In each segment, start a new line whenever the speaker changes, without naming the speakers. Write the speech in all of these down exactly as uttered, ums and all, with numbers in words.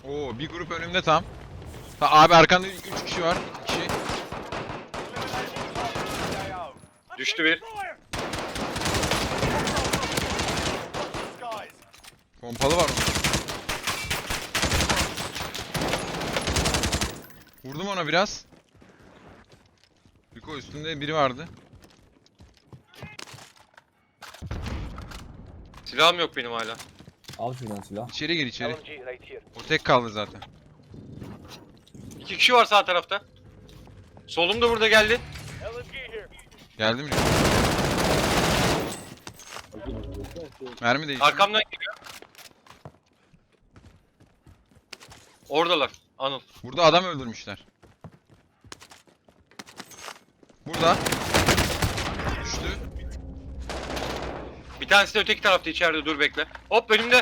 Oo, bir grup önümde tam. Ta, abi arkanda üç kişi var. iki kişi.
Düştü bir.
Pompalı var onun. Vurdum ona biraz. Biko üstünde biri vardı.
Silahım yok benim hala.
Al şuradan silah.
İçeri gir içeri. O tek kaldı zaten.
İki kişi var sağ tarafta. Solum da burada geldi.
Geldi mi? Mermi değişti.
Arkamdan geliyor. Oradalar. Anıl.
Burada adam öldürmüşler. Burada. Düştü.
Bir tanesi de öteki tarafta içeride, dur bekle. Hop önümde.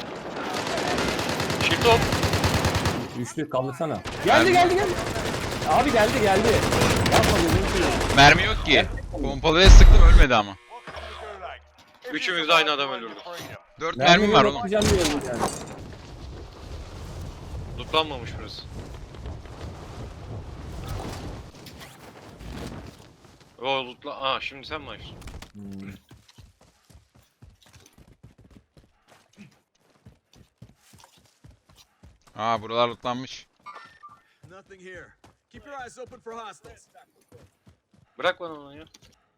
Shift hop.
Düştü, kaldırsana. Geldi geldi geldi. Abi geldi geldi. Yapma gözünü seveyim.
Mermi yok ki. Pompalıya sıktım ölmedi ama.
Üçümüz de aynı adam öldürdük.
Dört mermim var oğlum.
Yapacağım diyorum yani.
Lootlanmamış burası. O lootla... Aa şimdi sen mi açtın?
Hmm.
Aa, buralar lootlanmış.
Nothing here. Keep your eyes open for hostiles.
Bırak bana onu ya.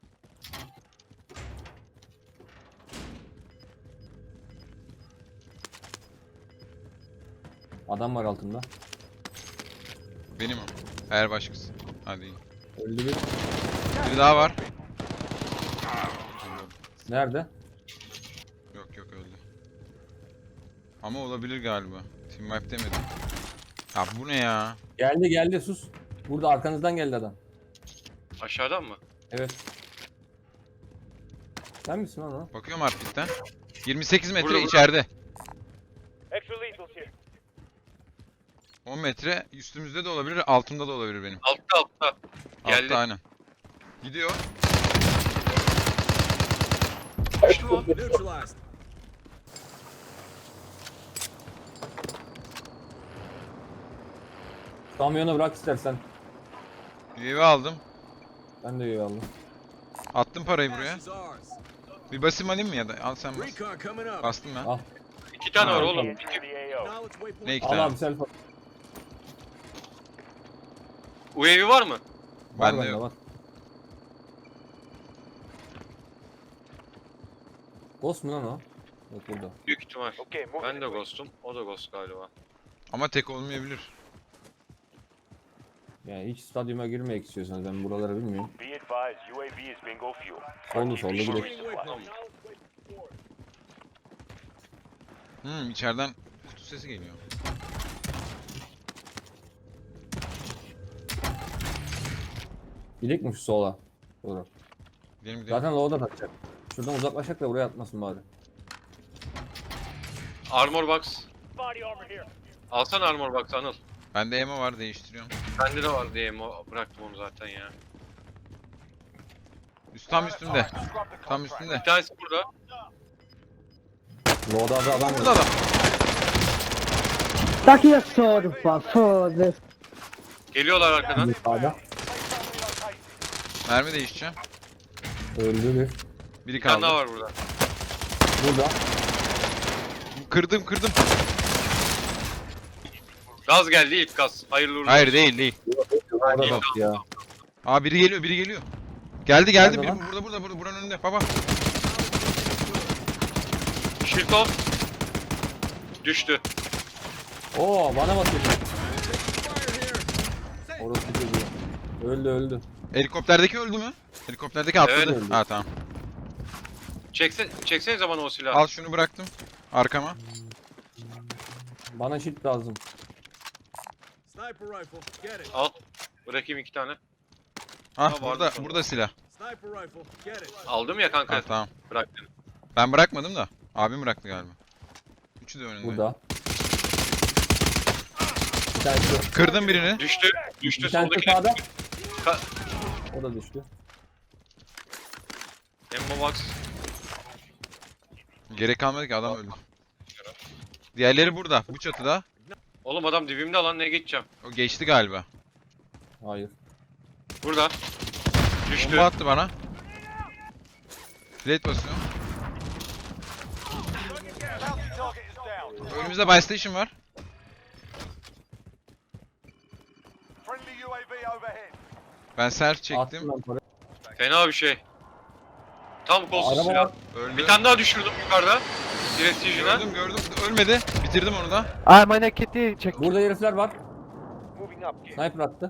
Adam var altında.
Benim o. Eğer başkası. Hadi iyi.
Öldü bir.
Biri daha var.
Nerede?
Yok yok öldü. Ama olabilir galiba. Team wipe demedim. Ya bu ne ya?
Geldi geldi sus. Burada arkanızdan geldi adam.
Aşağıdan mı?
Evet. Sen misin lan o?
Bakıyorum harfitten. yirmi sekiz metre
Burada, burada.
içeride.
Extra lethals here.
on metre üstümüzde de olabilir, altımda da olabilir benim.
Altta altta. Geldi.
Altta aynen. Gidiyor.
Düştü mü?
Neutralized.
Kamyonu bırak istersen.
U A V aldım.
Ben de üye aldım.
Attım parayı buraya.
Cash is ours.
Bir basayım alayım mı ya da? Al sen bas.
Recon coming up.
Bastım ben.
Al.
İki tane var
Ha.
oğlum.
Enter the A O.
Knowledge waypoint.
Ne iki
Al
tane?
abi selfie.
U A V var mı?
Var
Bende
bende
yok.
var. Ghost mu lan o? Yok burada.
Büyük ihtimal.
Okay, move.
Ben de ghost'um. O da ghost galiba.
Ama tek olmayabilir.
Yani hiç stadyuma girmek istiyorsanız ben buraları bilmiyorum.
Be advised, U A V is bingo fuel.
Soldu soldu
Keep
bir
it
de.
supplies.
Hmm, içeriden kutu sesi geliyor.
Gidek mi şu sola? Doğru.
Gidelim gidelim.
Zaten low'da takacak. Şuradan uzaklaşacak da buraya atmasın bari.
Armor box.
Body armor here.
Alsana armor box Anıl.
Bende ammo var, değiştiriyorum.
Bende de var diye mo- bıraktım onu zaten ya.
Üst tam üstünde. Tam üstünde.
Bir tanesi burada.
Low'da da adam
Burada
var.
da.
Daqui a sorfa, foda-se.
Geliyorlar arkadan.
Sağda.
Mermi değişeceğim.
Öldü bir.
Biri
Bir tane daha
kaldı.
var burada.
Burada.
Kırdım kırdım.
Gaz geldi ilk gaz. Hayırlı uğurlu
Hayır
olsun.
değil değil.
Orada bak ya.
Aa, biri geliyor biri geliyor. Geldi geldi
Nerede
biri
lan?
burada burada burada buranın önünde baba.
Shield off. Düştü.
Oo bana bakıyor.
Fire here.
Orası çocuğu. Öldü öldü.
Helikopterdeki öldü mü? Helikopterdeki atladı.
Evet.
Ha tamam.
Çekse, çeksenize bana o silahı.
Al şunu bıraktım. Arkama.
Bana shield lazım.
Sniper rifle. Get it.
Al. Bırakayım iki tane.
Ha
vardı
burada
sonra.
burada silah.
Sniper rifle. Get it.
Aldım ya kanka.
Ha tamam.
Bıraktım.
Ben bırakmadım da. Abim bıraktı galiba. Üçü de önünde.
Burada. Bir tanesi,
Kırdım birini.
Düştü. Düştü
bir tanesi
soldaki.
sağda.
Ka-
O da düştü.
Ammo box.
Gerek kalmadı ki adam öldü. Diğerleri burada. Bu çatıda.
Oğlum adam dibimde lan, ne geçeceğim?
O geçti galiba.
Hayır.
Burada. Düştü.
Bomba attı bana. Plate basıyor.
Target is down.
Önümüzde buy station var.
Friendly U A V overhead.
Ben self
Attım
çektim.
lan para.
Fena bir şey. Tam kolsuz
Araba
silah.
var.
Öldü.
Bir tane daha düşürdüm yukarıda. Prestige'ine.
Gördüm gördüm. Ölmedi. Bitirdim onu da.
Ah, meine Kette, check.
Burada herifler var.
Moving up.
Sniper attı.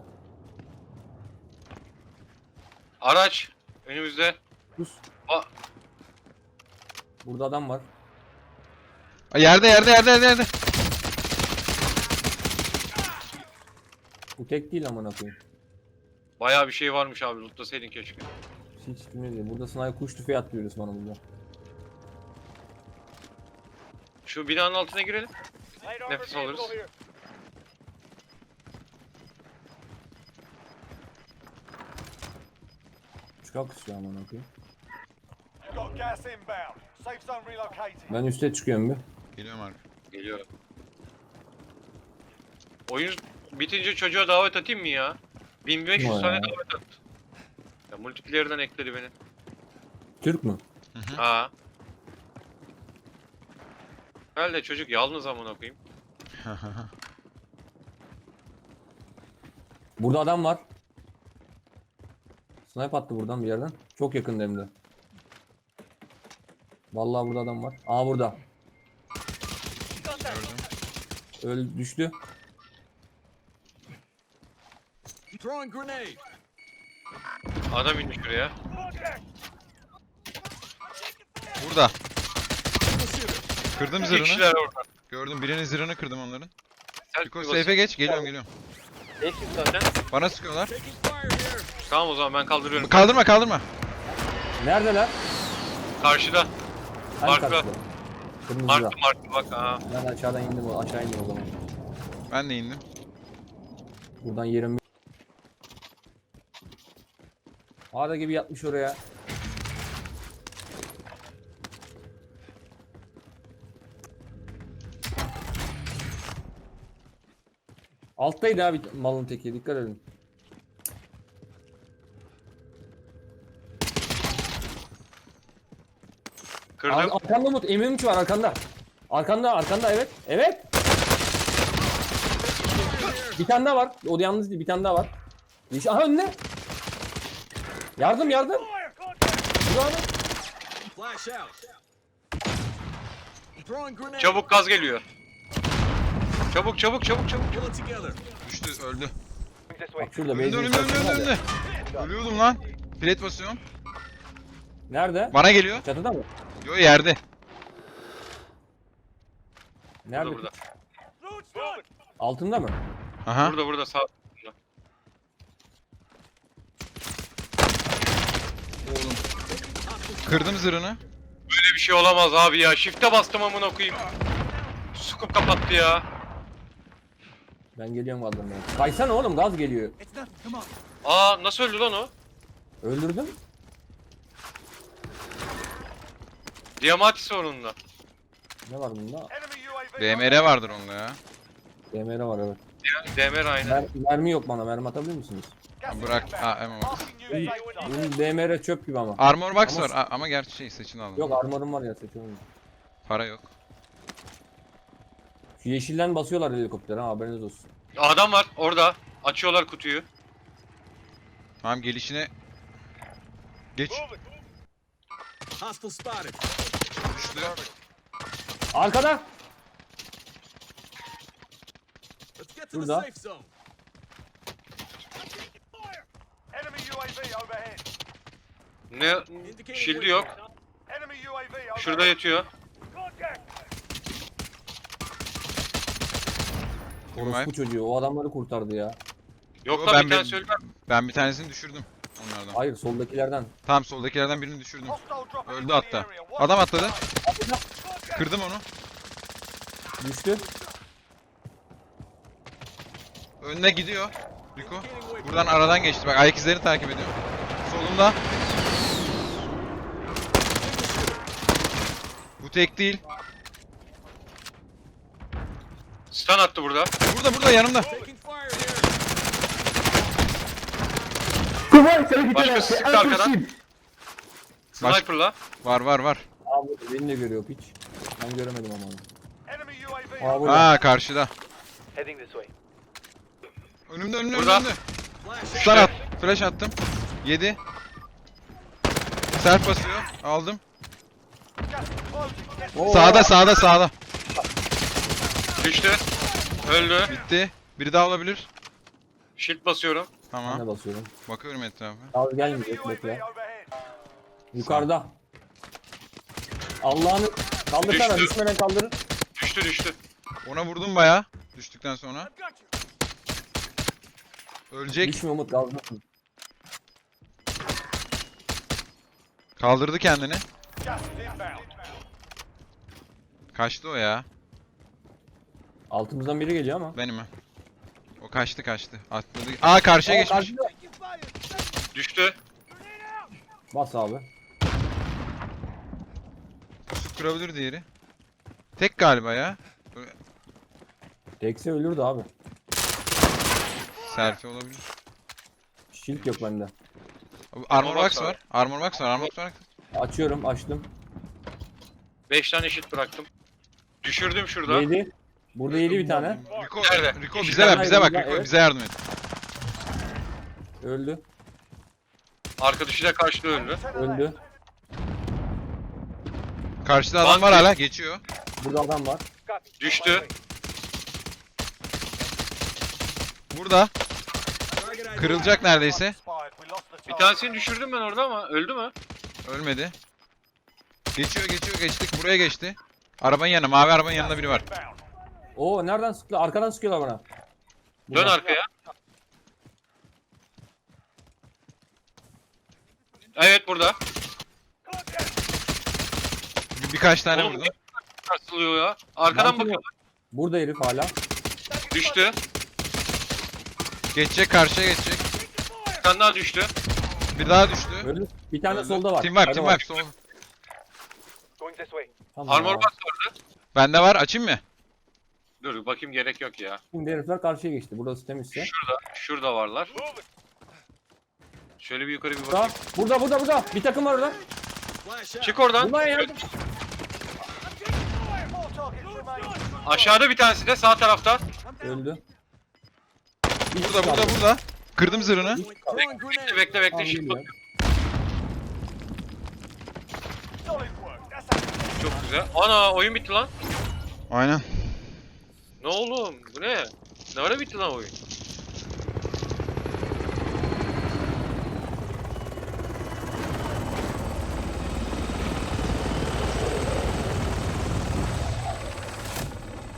Araç. Önümüzde.
Sus.
Aa.
Burada adam var.
Aa, Yerde yerde yerde yerde yerde.
Bu tek değil amına koyayım.
Bayağı bir şey varmış abi. Lootlasaydın keşke.
Hiç bilmiyorum. Burada sniper kuş tüfeği atlıyoruz bana burada.
Şu binanın altına girelim.
Light armored
Nefes
vehicle
alırız.
here.
Çıkak istiyor amına koyayım.
You've got gas inbound. Safe zone relocated.
Ben üste çıkıyorum bir.
Geliyorum abi.
Geliyorum. Oyun bitince çocuğa davet atayım mı ya? bin beş yüz
Vay
tane
ya.
davet attı. Ya multiplayer'dan ekledi beni.
Türk mü?
Ha. Herhalde çocuk yalnız amına koyayım.
Burada adam var. Sniper attı buradan bir yerden. Çok yakın hem de. Vallahi burada adam var. Aa burada.
Gördüm.
Öl düştü.
Throwing grenade.
Adam indi şuraya.
Burada.
Single shooter.
Kırdım
İki
zırhını.
kişiler orada.
Gördüm. Birinin zırhını kırdım onların.
Selfie
Yuko
basayım.
safe'e geç. Geliyorum geliyorum.
Geçtim zaten.
Bana sıkıyorlar.
Taking fire here.
Tamam o zaman ben kaldırıyorum.
Kaldırma kaldırma.
Neredeler?
Karşıda.
Hangi
Markla.
karşıda? Kırmızıda.
Marklı marklı bak ha.
Ben aşağıdan indim. o- Aşağı indim o zaman.
Ben de indim.
Buradan yerim. Ağda gibi yatmış oraya. Alttaydı abi malın teki. Dikkat edin.
Kırdım.
Ar- arkanda Umut. M üç var arkanda. Arkanda arkanda evet. Evet. Bir tane daha var. O da yalnız değil. Bir tane daha var. Yeşil- Aha önüne. Yardım yardım. Dur abi.
Flash out. Throwing grenade.
Çabuk gaz geliyor. Çabuk çabuk çabuk çabuk.
Pull it together.
Düştü öldü.
This way.
Bak şurada
Önde
benzin
önde önde
istasyonu
önde
var
önde.
ya.
Ölüyordum lan. Plate basıyorum.
Nerede?
Bana geliyor.
Çatıda mı?
Yo yerde.
Nerede?
Burada burada.
Moving.
Altında mı?
Aha.
Burada burada sağ.
Oğlum. Kırdım zırhını.
Böyle bir şey olamaz abi ya. Shift'e bastım amına koyayım. Sukup kapattı ya.
Ben geliyorum kaldırmaya. Kaysana oğlum gaz geliyor.
Aa nasıl öldü lan o?
Öldürdüm.
Diamati sorununda.
Ne var bunda?
Enemy U A V.
B M R vardır onda ya.
D M R var evet.
D M R aynı.
Mer mermi yok bana. Mermi atabilir misiniz?
Gas
Bırak.
inbound.
Aa, ama bak.
Marking new safe zone.
Benim D M R çöp gibi ama.
Armor box
Ama-
var A- ama gerçi şey seçin aldım.
Yok armorum var ya seçiyorum.
Para yok.
Şu yeşilden basıyorlar helikopter ha haberiniz olsun.
Adam var orada. Açıyorlar kutuyu.
Tamam gelişine geç.
Moving.
Hostile spotted.
Düştü.
Arkada.
Let's get to the
Burada.
safe zone.
Enemy U A V overhead.
Ne? Shield'i yok.
Enemy U A V overhead.
Şurada yatıyor.
Contact.
Orospu çocuğu o adamları kurtardı ya.
Yok
Yo,
lan
ben
bir
bir-
tane söyle.
Ben bir tanesini düşürdüm onlardan.
Hayır soldakilerden.
Tamam soldakilerden birini düşürdüm.
Hostile dropping
Öldü
into the
hatta.
area. Watch
Adam
the
atladı.
sky.
Kırdım onu.
Düştü.
Önüne gidiyor. Rico. Buradan aradan geçti. Bak ayak izlerini takip ediyor. Solumda. Bu tek değil.
Stun attı burada.
Burada burada yanımda.
Taking fire here.
Come on, c'est
Başka
c'est
sıktı arkadan.
impossible.
Baş-
Sniper'la.
Var var var.
Abi beni de görüyor piç. Ben göremedim ama onu.
Enemy U A V.
Aa burada.
Aa karşıda.
Heading this way.
Önümde önümde
Burada.
önümde.
Flash.
Stun at. Flash attım. Yedi. Self basıyor. Aldım.
Gas is closing. Get
Oo,
Sağda sağda sağda.
Düştü. Öldü.
Bitti. Biri daha olabilir.
Shield basıyorum.
Ben
Tamam.
de basıyorum.
Bakıyorum etrafa.
Abi
enemy
gelmeyecek
U A
bekle.
V overhead.
Yukarıda. Allah'ını kaldırsana
Düştü.
düşmeden kaldırın.
Düştü düştü.
Ona vurdum baya. Düştükten sonra. Ölecek.
Düşme Umut kaldırsın.
Kaldırdı kendini.
Gas is inbound.
Kaçtı o ya.
Altımızdan biri geliyor ama.
Benim mi? O kaçtı kaçtı. Atladı. Aa karşıya
Aa,
geçmiş.
karşıda.
Düştü.
Bas abi.
Pusuk kırabilir diğeri. Tek galiba ya.
Tekse ölürdü abi.
Selfie olabilir.
Shield yok bende.
Armor box var. Armor box var. Armor box var.
Açıyorum açtım.
beş tane shield bıraktım. Düşürdüm şurada.
Yedi. Burada yedi bir tane.
Rico,
Nerede?
Rico
İki
bize
tane
ver, bize bak.
ayrıldı,
Rico
evet.
bize yardım et.
Öldü.
Arkadaşı da karşıda öldü.
Öldü.
Karşıda adam var
Bak-
hala, geçiyor.
Burada adam var.
Düştü.
Burada.
Target ID.
Kırılacak neredeyse.
Expired. We lost the
Bir
target.
tanesini düşürdüm ben orada ama öldü mü?
Ölmedi. Geçiyor, geçiyor, geçtik. Buraya geçti. Arabanın yanına, mavi arabanın yanında biri var.
Inbound.
Oo nereden sıkıyor? Arkadan sıkıyorlar bana.
Dön
Buradan.
arkaya. Evet burada.
Bir, birkaç tane
Oğlum,
vurdum.
Sarsılıyor ya. Arkadan
Mantığı
bakıyor.
yok. Burada herif hala.
Düştü.
Geçecek, karşıya geçecek.
Bir tane daha düştü.
Bir daha düştü.
Öldü. Bir tane
Öldü.
solda var.
Team wipe,
Hadi
team
bak.
wipe. Sol.
Going this way.
Tamam.
Armor box vardı.
Bende var, açayım mı?
Dur bakayım, gerek yok ya.
Şimdi herifler karşıya geçti. Burası temizse.
Şurada, şurada varlar. Şöyle bir yukarı bir
Burada,
bakayım.
burada, burada, burada. Bir takım var orada.
Flash out.
Çık oradan.
Bunlar yardım.
Four targets remaining.
Aşağıda bir tanesi de sağ tarafta.
Öldü.
Burada, burada, burada. Kırdım zırhını.
Throwing grenade.
Bekle bekle
Tamam,
shield
geliyor.
bakıyorum.
Solid work. That's it.
Çok güzel. Ana oyun bitti lan.
Aynen.
Ne oğlum? Bu ne? Ne ara bitti lan oyun?